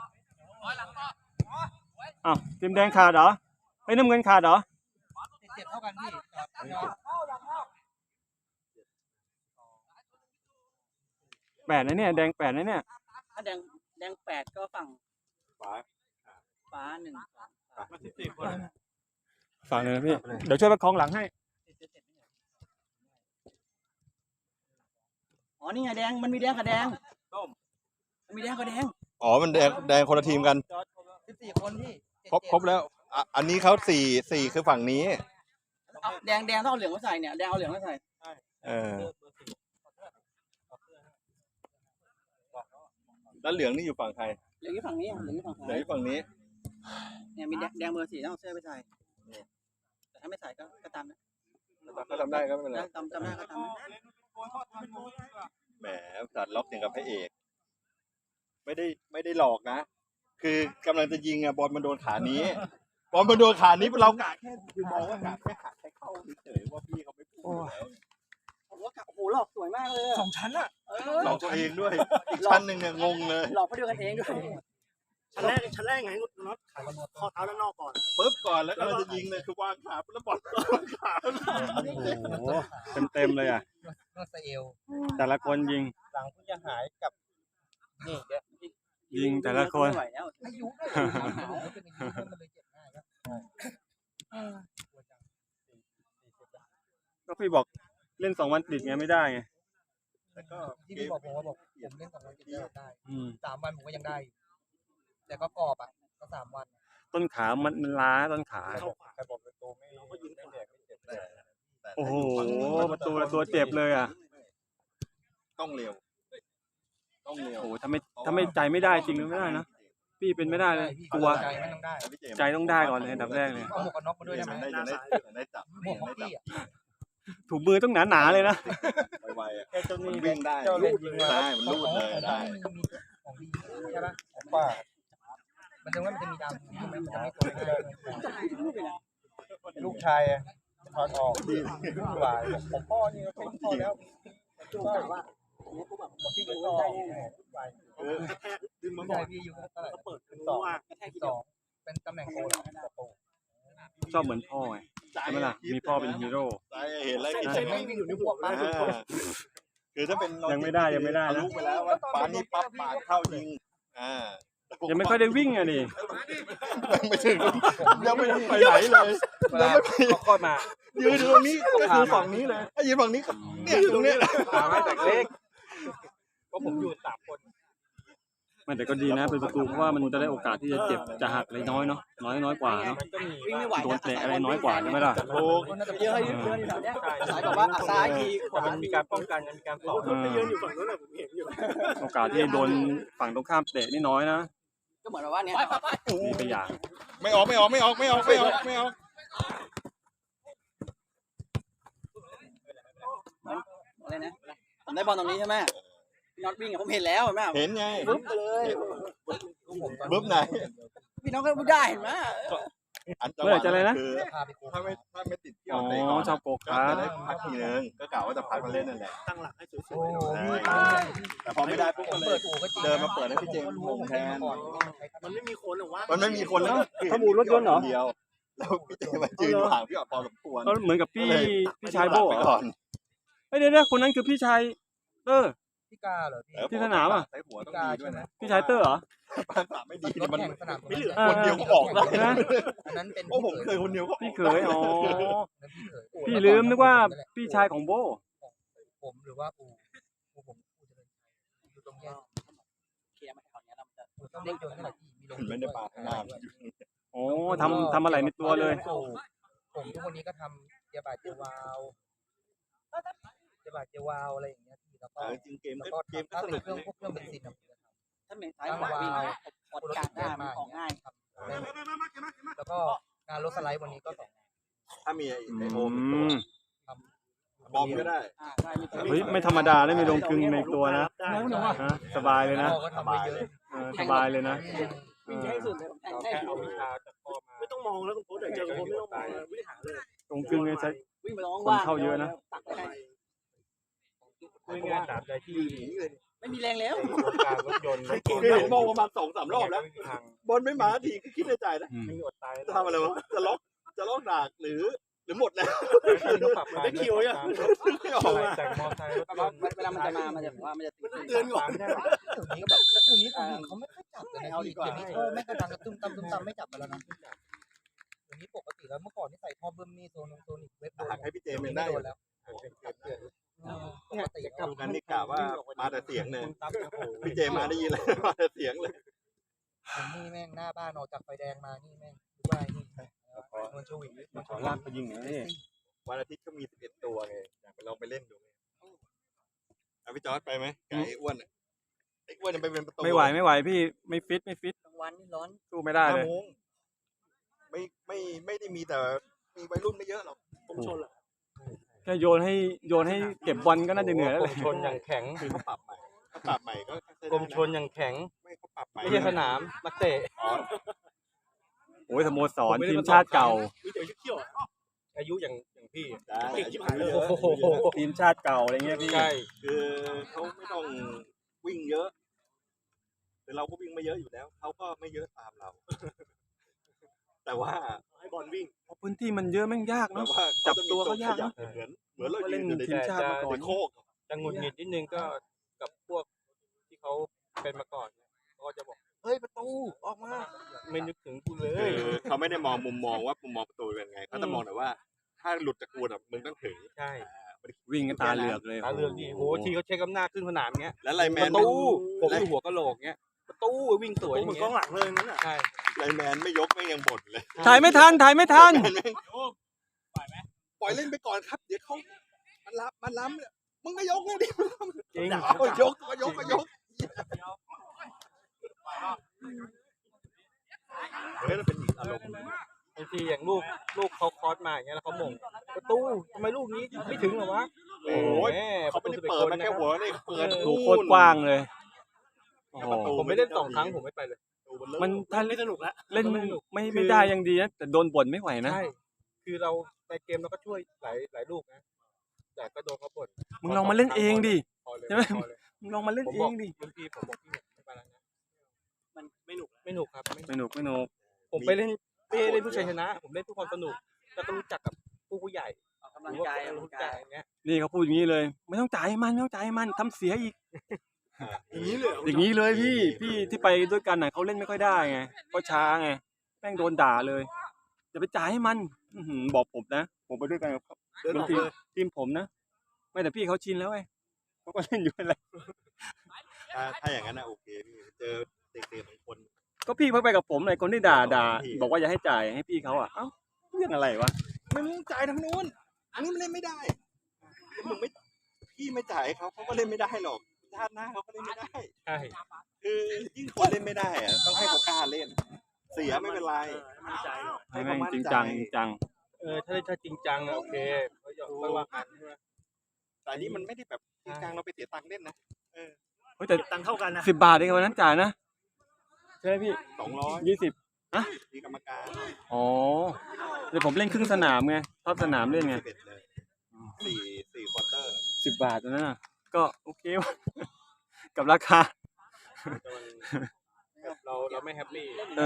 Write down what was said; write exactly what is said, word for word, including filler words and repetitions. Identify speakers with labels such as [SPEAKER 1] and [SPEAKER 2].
[SPEAKER 1] อ้าวทีมแดงขาดเหรอไอ้น้ำเงินขาดเหรอ
[SPEAKER 2] เจ็บเท่ากันพี่
[SPEAKER 1] แปดนะเนี่ยแดงแปดนะเนี่ย
[SPEAKER 3] ถ้าแดงแดงแปดก็ฝั่งฟ้าฟ้าหนึ่ง
[SPEAKER 1] ฝั่งเลยนะพี่เดี๋ยวช่วยประคองหลังให้
[SPEAKER 3] อ๋อนี่ไงแดงมันมีแดงกับแดงมันมีแดงกับแดง
[SPEAKER 4] อ๋อมันแดงแดงคนละทีมกัน
[SPEAKER 2] สิบสี่คนพี่
[SPEAKER 4] ครบครบแล้วอันนี้เขาสี่สี่คือฝั่งนี้
[SPEAKER 3] แดงแดงต้องเอาเหลืองมาใส่เนี่ยแดงเอาเหลืองมาใส่
[SPEAKER 4] เออแล้วเหลืองนี่อยู่ฝั่งใคร
[SPEAKER 3] เหลืองอยู่ฝั่งนี้เหลืองอยู่ฝั่ง
[SPEAKER 4] เหลืองอยู่ฝั่งนี้
[SPEAKER 3] เนี่ยมีแดงเบอร์สี่ต้องเอาเสื้อไปใส่แต่ถ้าไม่ใส่ก็ก็ตามนะ
[SPEAKER 4] ก็ทำได้ก็ไม่เป็นไร
[SPEAKER 3] จำจำได้ก็ทำ
[SPEAKER 4] แหมจัดล็อกอย่างกับพระเอกไม่ได้ไม่ได้หลอกนะคือกำลังจะยิงอะบอลมันโดนขานี้บอลมันโดนขานี้เรากะแค่คือมองว่ากะแค่ขาแค่เข้าเฉยว่าพี่เขาไม่พูดแล้ว
[SPEAKER 3] ผมว่ากะโอ้โหหลอกสวยมากเลย
[SPEAKER 2] สองชั้นอะ
[SPEAKER 4] หลอกตัวเองด้วยอีกชั้นหนึ่งเนี่ยงงเลย
[SPEAKER 3] หลอกเขาด้วยกันเองด้วย
[SPEAKER 2] ชั้นแรกชั้นแรกไงน็อตขาข้อเท้าด้านนอกก่อน
[SPEAKER 4] ปึ๊บก่อนแล้วก็เราจะยิงเลยคือวางขาแล้วบอลวางขา
[SPEAKER 1] โอ้โหเต็มเต็มเลยอ่ะ
[SPEAKER 2] นอตเอล
[SPEAKER 1] แต่ละคนยิง
[SPEAKER 2] หลังผู้จะหายกับนี่เดี๋ยว
[SPEAKER 1] ยิงแต่ละคน
[SPEAKER 2] อายุด้วยมันเลยเจ็บง่ายครับ
[SPEAKER 1] ก็พี่บอกเล่นสองวันติดไงไม่ได้ไง
[SPEAKER 4] แต่ก็
[SPEAKER 2] ที่พี่บอกผมว่าบอกผมเล่นสองวันติดได้สามวันผมก็ยังได้แต่ก็กรอบอ่ะก็สามวัน
[SPEAKER 1] ต้นขามันมันล้าต้นขา
[SPEAKER 4] ใครบอกประตูไม่ก็ยิงไม่แดกไม่เจ็บแต่
[SPEAKER 1] โอ้โหประตูละตัวเจ็บเลยอ่ะ
[SPEAKER 4] ต้องเร็วต้องเร็ว
[SPEAKER 1] โอ้โหถ้าไม่ถ้าไม่ใจไม่ได้จริงไม่ได้นะพี่เป็นไม่ได้เลยกลัวใจต้องได้ก่อนเลยอันดับแรกเลย
[SPEAKER 2] เอาหมวกกันน็อกมาด้วยได้ไหม
[SPEAKER 4] ได้จับ
[SPEAKER 2] หมวกของพี่อ่ะ
[SPEAKER 1] ถูมือต้องหนาๆเลยนะ
[SPEAKER 4] ไวๆแค่เจ้านี่วิ่งได้ลูดเลยได้มันลูดเลยได้
[SPEAKER 2] ของดีใช่ปะของป้ามันจะว่ามันจะมีดำมันจะไม่ตัวลูกชายถอดออกดีกว่าผมพ่อนี่ก็เป็นพ่อแล้วก็ว่าที่ก็ต่อ
[SPEAKER 4] เออดึงมาหมด
[SPEAKER 2] พี่อยู่เท่าไหร่ก็เปิดเป็นสองสองเป็นตำแหน่งโกโก้
[SPEAKER 1] ชอบเหมือนพ่อไงใช่ไหมล่ะมีพ่อเป็นฮีโร่
[SPEAKER 4] ใช่เห็นแล้ว
[SPEAKER 2] ไม่มีอยู่ในหัวป้า
[SPEAKER 4] คือถ้าเป็น
[SPEAKER 1] ยังไม่ได้ยังไม่ได้นะ
[SPEAKER 4] รู้ไปแล้วว่าป้านี่ปั๊บปาดเข้ายิงอ่า
[SPEAKER 1] ยังไม่ค่อยได้วิ่งอ่ะดิ
[SPEAKER 4] ไม่ถึงยังไม่ไปไหนเลยยังไม่
[SPEAKER 2] ค่อยมา
[SPEAKER 4] ยืนตรงนี้ก็คือฝั่งนี้เลยถ้ายืนฝั่งนี้เนี่ยตรงนี้
[SPEAKER 2] ตามให้แต่เล็กเพราะผมอยู่สามคน
[SPEAKER 1] มันแต่ก็ดีนะเป็นประตูเพราะว่ามันจะได้โอกาสที่จะเจ็บจะหักอะไรน้อยเนาะน้อยน้อยกว่าเนาะโดนเตะอะไรน้อยกว่าใช่ไหมล่ะ
[SPEAKER 4] โอ้
[SPEAKER 3] เยอะเยอะเยอะแถวเนี้ยสายบอกว่าซ้ายทีขวา
[SPEAKER 2] มันมีการป้องกันมีการต่อ
[SPEAKER 3] ไม่ยืนอยู่ฝั่งนู้นผมเห็นอยู่
[SPEAKER 1] โอกาสที่โดนฝั่งตรงข้ามเตะนี่น้อยนะ
[SPEAKER 3] ก็เหมือนว่าเนี้ย
[SPEAKER 1] มีไปอย่าง
[SPEAKER 4] ไม่ออกไม่ออกไม่ออกไม่ออกไม่ออกไม่ออก
[SPEAKER 3] อะไรนะผมได้บอลตรงนี้ใช่ไหมพี่น็อตวิ่งผมเห็นแล้วเห็นไหม
[SPEAKER 4] เห็นไง
[SPEAKER 3] บึ๊บเลย
[SPEAKER 4] บึ๊บไหน
[SPEAKER 3] พี่น้องก็ได้เห็นไหม
[SPEAKER 4] อันจัง
[SPEAKER 1] หวะอะไรนะ
[SPEAKER 4] คือถ้าไม่ถ้าไม่ติดที่เอาเตะ
[SPEAKER 1] ก่อนชอบโกคา
[SPEAKER 4] จะได้พักทีนึงก็กล่าวว่าจะพักมาเล่นนั่นแหละ
[SPEAKER 2] ตั้งหลักให้สวย
[SPEAKER 4] ๆแต่พอไม่ได้ปุ๊บก็เลยเดินมาเปิดให้พี่เจมส์มงแทน
[SPEAKER 2] มันไม่มีคนหรอวะ
[SPEAKER 4] มันไม่มีคนแล้ว
[SPEAKER 1] ขบูรถยนต์เหรอ
[SPEAKER 4] เดียวแล้วพี่เจมส์มายืนห่างพี่ออกพอสมควร
[SPEAKER 1] เหมือนกับพี่พี่ชายโบ้ก่อนเฮ้ยเดี๋ยวคนนั้นคือพี่ชายเตอร์
[SPEAKER 2] พี่กาเหรอ
[SPEAKER 1] ที่สนามอ่ะ
[SPEAKER 4] ใช้หัวต้องดีด้วยนะ
[SPEAKER 1] พี่ชายเตอร์เหรอ
[SPEAKER 4] ภาษาไม่ดีมัน
[SPEAKER 2] ไม่เหลือ
[SPEAKER 4] คนเดียวก็ออกแล้ว
[SPEAKER 2] นะอันนั้นเป็น
[SPEAKER 4] โอ้ผมเคยคนเดียวก็
[SPEAKER 1] พี่เคยอ๋อพี่ลืมนึกว่าพี่ชายของโบ
[SPEAKER 2] ผมหรือว่าอูอูผมอูจะเป็นอยู่ตรงนี้
[SPEAKER 3] เคลียร์มาแถวนี้เราจะ
[SPEAKER 2] ต้องเล่นจนเท่าไหร่ที่มีลง
[SPEAKER 4] ไม่ได้ปาข้างหน้า
[SPEAKER 1] โอ้ทำทำอะไรในตัวเลย
[SPEAKER 2] ผมทุกวันนี้ก็ทำเจียบาเจียวาวเจียบาเจียวาวอะไรอย่างเงี้ยแล้วก็
[SPEAKER 4] จริงเกม
[SPEAKER 2] ก็เกมก็สนุกเครื่องพวกเครื่องเบนซิน
[SPEAKER 3] ถ้าเป็นสายขวาวิ่งกดกลางได้มันออกง่ายครับ
[SPEAKER 2] แล้วก็งานรถสไลด์วันนี้ก็สอง
[SPEAKER 4] ถ้ามีไอโอมบอมก็ได้
[SPEAKER 1] เฮ้ยไม่ธรรมดาได้มีลงกึ่งในตัวนะสบายเลยนะ
[SPEAKER 2] สบายเลย
[SPEAKER 1] สบายเลยนะ
[SPEAKER 3] วิ่งให้สุดเลยแค่เอาวิชาจากพ่อมา
[SPEAKER 2] ไม่ต้องมองแล้วคุณโค้ชเจอคุณโค้ชไม่ต้องมองวิ่งหาเลย
[SPEAKER 1] ลงกึ่งเลยใช้
[SPEAKER 3] วิ่งไปร้อง
[SPEAKER 1] ว่าเข้าเยอะนะ
[SPEAKER 2] ไม่ง่ายตามใจที่
[SPEAKER 3] ไม่ไม่มีแรงแล้ว
[SPEAKER 2] การรถยนต์รถ
[SPEAKER 4] คือเห็นมองประมาณสองสามรอบแล้ว
[SPEAKER 2] ไม่มีทาง
[SPEAKER 4] บอลไม่มาทีก็คิดในใจนะ
[SPEAKER 1] อืม
[SPEAKER 2] ไม่อดตาย
[SPEAKER 4] จะทำอะไรวะจะล็อกจะล็อกดากหรือ หรือหมดแล้ว
[SPEAKER 2] ต้องปรับปรุง
[SPEAKER 4] ได้คิวยัง ไม่ออก
[SPEAKER 2] อะไร
[SPEAKER 4] มา
[SPEAKER 2] แต่งมอไซค์รถยนต์
[SPEAKER 3] เวลามันจะมามันจะแบบว่ามันจะ
[SPEAKER 2] เตือนก่อนได้
[SPEAKER 5] เดี๋ยวนี้ก็แบบเดี๋ยวนี้คนอื่นเขาไม่ค่อยจับกันนะพี่เดี๋ยวนี้ท่อแม่งกระดังกระตุ้มตำตุ้มตำไม่จับกันแล้วนะเดี๋ยวนี้ปกติแล้วเมื่อก่อนที่ใส่ท่อเบิ้มนี่โซนงโซนอีกเว็บโดน
[SPEAKER 4] หักให้พี่เจม
[SPEAKER 5] ไม่
[SPEAKER 4] ได้
[SPEAKER 5] โดนแล้ว ปกติ
[SPEAKER 4] ดูกันนี่กะว่ามาแต่เสียงเลยพี่เจมาได้ยินเลยมาแต่เสียงเลย
[SPEAKER 5] ผมนี่แม่งหน้าบ้านออกจากไฟแดงมานี่แม่งดูว่านี่นวลชวิง
[SPEAKER 1] ขอลากไปยิงหน่อยนี่
[SPEAKER 4] วันอาทิตย์ก็มีสิบเอ็ดตัวไงอยากไปลองไปเล่นดูเอาพี่จอร์ดไปไหมไก่อ้วนไอ้อ้วนจะไปเป็นประตู
[SPEAKER 1] ไม่ไหวไม่ไหวพี่ไม่ฟิตไม่ฟิต
[SPEAKER 3] กลางวันนี่ร้อน
[SPEAKER 1] สู้ไม่ได้เลย
[SPEAKER 4] ห้าโมงไม่ไม่ไม่ได้มีแต่มีวัยรุ่นไม่เยอะหรอก
[SPEAKER 2] ผมชนแหละ
[SPEAKER 1] แค่โยนให้โยนให้เก็บบอลก็น่าจะเหนื่อยแล้ว
[SPEAKER 2] ก
[SPEAKER 1] เล
[SPEAKER 2] ร
[SPEAKER 1] ย
[SPEAKER 2] มชนอย่างแข็ง
[SPEAKER 4] คือเขาปรับใหม่เขาปรับใหม่ก็ใช้
[SPEAKER 2] กร
[SPEAKER 4] ได้
[SPEAKER 2] ม
[SPEAKER 4] นะ
[SPEAKER 2] ชนอย่างแข็ง
[SPEAKER 4] ไม่เขาปรับใหม่
[SPEAKER 2] ไม่ใช่สนามนักเตะ
[SPEAKER 4] อ๋อ
[SPEAKER 1] โอ้ยสโมสรทีมชาติเก่า
[SPEAKER 2] อายุอย่างอย่างพี่
[SPEAKER 4] ได้
[SPEAKER 2] เก่งชิบหายเลย
[SPEAKER 4] โอ้โห
[SPEAKER 1] ทีมชาติเก่าอะไรเงี้ยพี่
[SPEAKER 2] ใช่
[SPEAKER 4] คือเขาไม่ต้องวิ่งเยอะแต่เราก็วิ่งไม่เยอะอยู่แล้วเขาก็ไม่เยอะตามเรา แต่ว่าให้บอลวิ่ง
[SPEAKER 1] พื้นที่มันเยอะแม่งยาก
[SPEAKER 4] แต่
[SPEAKER 1] เนาะ
[SPEAKER 4] ว่า
[SPEAKER 1] จับตัวเขายากนะ
[SPEAKER 4] เหมือนเหมือนเรา
[SPEAKER 1] เล่
[SPEAKER 4] ยื
[SPEAKER 1] น
[SPEAKER 4] นอยู่ใน
[SPEAKER 1] ทีมชาติมาก่อน
[SPEAKER 4] ในโคก
[SPEAKER 2] จะหงุดหงิดนิดนึงก็กับพวกที่เขาเป็นมาก่อนเขาก็จะบอกเฮ้ยประตูออกมาไม่นึกถึงกูเลย
[SPEAKER 4] คือเขาไม่ได้มองมุมมองว่ามุมมองประตูเป็นไงเขาจะมองแต่ว่า ถ้าหลุดจากกูน่ะมึงต้องถึง
[SPEAKER 2] ใช่
[SPEAKER 1] วิ่งกันตาเหลือกเลย
[SPEAKER 2] ตาเลือกดีโหทีเขาเช็คอำนาจขึ้นสนามเงี้ย
[SPEAKER 4] แล้วไลน์แม
[SPEAKER 2] ป
[SPEAKER 4] น
[SPEAKER 2] ระตูผมอยู่หัวกะโหลกเงี้ยประตูวิ่งสวยอย่าง
[SPEAKER 5] เหมือนก
[SPEAKER 2] เงี้
[SPEAKER 5] อย งหลังเลยนั่นแหละ
[SPEAKER 2] ใช่
[SPEAKER 4] ไลน์แมนไม่ยกไม่ยังบ่นเลย
[SPEAKER 1] ถ่ายไม่ทันถ่ายไม่ทัน
[SPEAKER 4] ปล่อยเล่นไปก่อนครับ เดี๋ยวเขามันล้ำมันล้ำเนี่ยมึงก็ยกเลยดิ
[SPEAKER 2] จริง
[SPEAKER 4] โอ้ยยกก็ยกก็ยกเฮ้ยมันเป็นอีกอารมณ์
[SPEAKER 2] บางทีอย่างลูกลูกเขาคอสมาอย่างเงี้ยแล้วเขาหม่งประตูทำไมลูกนี้ไม่ถึงเหรอวะ
[SPEAKER 4] โอ้ย
[SPEAKER 2] แห
[SPEAKER 4] เขาไม่ได้เปิดมาแค่หัวนี่เปิด
[SPEAKER 1] ดูโคตรกว้างเลยโอ้โห
[SPEAKER 2] ผมไม่เล่นสองครั้งผมไม่ไปเลย
[SPEAKER 1] มันถ้าเล่นสนุกแล้วเล่นไม่ไม่ได้ยังดีนะแต่โดนบ่นไม่ไหวนะ
[SPEAKER 2] ใช่คือเราในเกมเราก็ช่วยหลายหลายลูกนะแต่ก็โดนเขาบ่น
[SPEAKER 1] มึงลองมาเล่นเองดิ
[SPEAKER 2] พอเลย
[SPEAKER 1] ใช่ไหม
[SPEAKER 2] พอเลย
[SPEAKER 1] มึงลองมาเล่น
[SPEAKER 2] ผม
[SPEAKER 1] เอบ
[SPEAKER 2] อก
[SPEAKER 1] งดิ
[SPEAKER 2] บางทีผมบอกพี่ไม่ไปแล้วนะ
[SPEAKER 3] มันไม่หนุก
[SPEAKER 2] ไม่หนุกครับไม่
[SPEAKER 1] ไม่หนุกไม่หนุก
[SPEAKER 2] ผมไปเล่นไม่ได้เล่นผู้ชัยชนะ ผมเล่นเพื่อความสนุกแล้วก็รู้จักกับผู้ผู้ใหญ่
[SPEAKER 3] ออกกำลังกายออกกำลั
[SPEAKER 2] รู้
[SPEAKER 3] ง
[SPEAKER 2] จั
[SPEAKER 3] กาก ย
[SPEAKER 2] อย่างเงี้ย
[SPEAKER 1] นี่เขาพูดอย่างนี้เลย ไม่ต้องจ่ายให้มันไม่ต้องจ่ายให้มันทำเสียอีก
[SPEAKER 4] อย่างนี้เลย
[SPEAKER 1] อย่างนี้เลยพี่พี่ที่ไปด้วยกันน่ะเขาเล่นไม่ค่อยได้ไงเขาช้าไงแม่งโดนด่าเลยอย่าไปจ่ายให้มันอื้อหือบอกผมนะผมไปด้วยกันกับเขา
[SPEAKER 4] เดินออก
[SPEAKER 1] ทีม
[SPEAKER 4] เลย
[SPEAKER 1] ทีมผมนะไม่แต่พี่เขาชินแล้วไงเขาก็เล่นอยู่อะไร
[SPEAKER 4] ถ้าถ้าอย่างนั้นนะโอเคพี่เจอเด็กๆบางคน
[SPEAKER 1] ก็พี่เพิ่งไปกับผมเลยคนที่ด่าด่า
[SPEAKER 4] พี่
[SPEAKER 1] บอกว่าอย่าให้จ่ายให้พี่เขาอ่ะเอ้าเรื่องอะไรวะ
[SPEAKER 4] ไม่มึงจ่ายทางนู้นอันนี้มันเล่นไม่ได้แล้วมึงไม่พี่ไม่จ่ายให้เขาเขาก็เล่นไม่ได้หรอกชาติหน้าเขาก็เล่นไม่ได้
[SPEAKER 2] ใช่
[SPEAKER 4] คือยิ่งคนเล่นไม่ได้อะต้องให้เขากล้าเล่น เสียไม่เป็นไร
[SPEAKER 1] ให้แม่งจริงจังจริงจัง
[SPEAKER 2] เออถ้าถ้าจริงจังอะโอเคเขาหยอกไม่ว่ากันใช่ไหม
[SPEAKER 4] แต่อันนี้มันไม่ได้แบบจริงจังเราไปเสียตังค์เล่นนะ
[SPEAKER 1] เฮ้ยแต่
[SPEAKER 5] ตังเท่ากันนะ
[SPEAKER 1] สิบบาทเองวันนั้นจ่ายนะใช่ไหมพี่
[SPEAKER 4] สองร้อย
[SPEAKER 1] ยี่สิบ
[SPEAKER 4] มีกรรมการ
[SPEAKER 1] อ๋อเดี๋ยวผมเล่นครึ่งสนามไงชอบสนามเล่นไง
[SPEAKER 4] สิบเอ็ดเลยสี่สี่ควอเตอร์
[SPEAKER 1] สิบบาทตอนนั้นน่ะก็โอเควะ กับราคา
[SPEAKER 2] แต่มันเราเราไม่แฮปปี้